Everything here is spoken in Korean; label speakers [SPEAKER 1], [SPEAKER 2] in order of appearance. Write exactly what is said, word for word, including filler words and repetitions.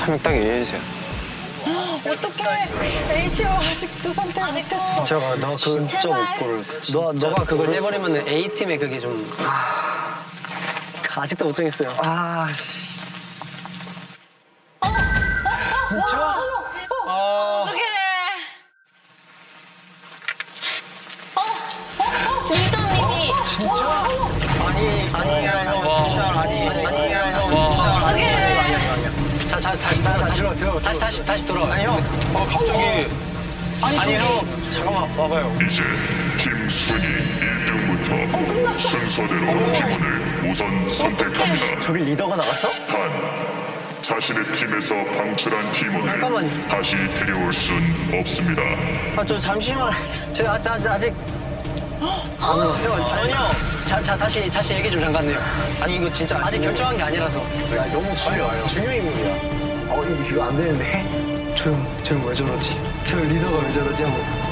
[SPEAKER 1] 한 명 딱 얘기해주세요.
[SPEAKER 2] 어떡해. 에이티오 아직도 선택 못했어.
[SPEAKER 1] 제가 너 그 진짜 못 고를. 너 너가 그걸 해버리면 A 팀에 그게 좀 아, 아직도 못 정했어요. 아, 진짜? 아,
[SPEAKER 3] 어떡해. 어? 리더님이.
[SPEAKER 1] 아니 아니야 형 진짜 아니 아니야 형 진짜 아니 아니야 아니야 아니야. 자, 자 다시 다시 다시 들어 들어 다시 다시 다시 돌아. 아니 형. 어 갑자기. 아니, 아니 형 잠깐만 와봐요.
[SPEAKER 4] 이제 팀 순위 일 등부터 순서대로 팀원을 우선 선택합니다.
[SPEAKER 1] 저기 리더가 나갔어?
[SPEAKER 4] 단 자신의 팀에서 방출한 팀원을
[SPEAKER 1] 잠깐만요.
[SPEAKER 4] 다시 데려올 순 없습니다.
[SPEAKER 1] 아 저 잠시만. 제가 아직 아직 아직. 아, 형 아니 형. 자, 자 다시 다시 얘기 좀 잠깐요. 아니 이거 진짜 아직 결정한 게 아니라서. 야 너무 중요 중요 인물이야. 어 이거 이거 안 되는데. 저 형, 저 형 왜 저러지? 저 리더가 왜 저러지? 한번.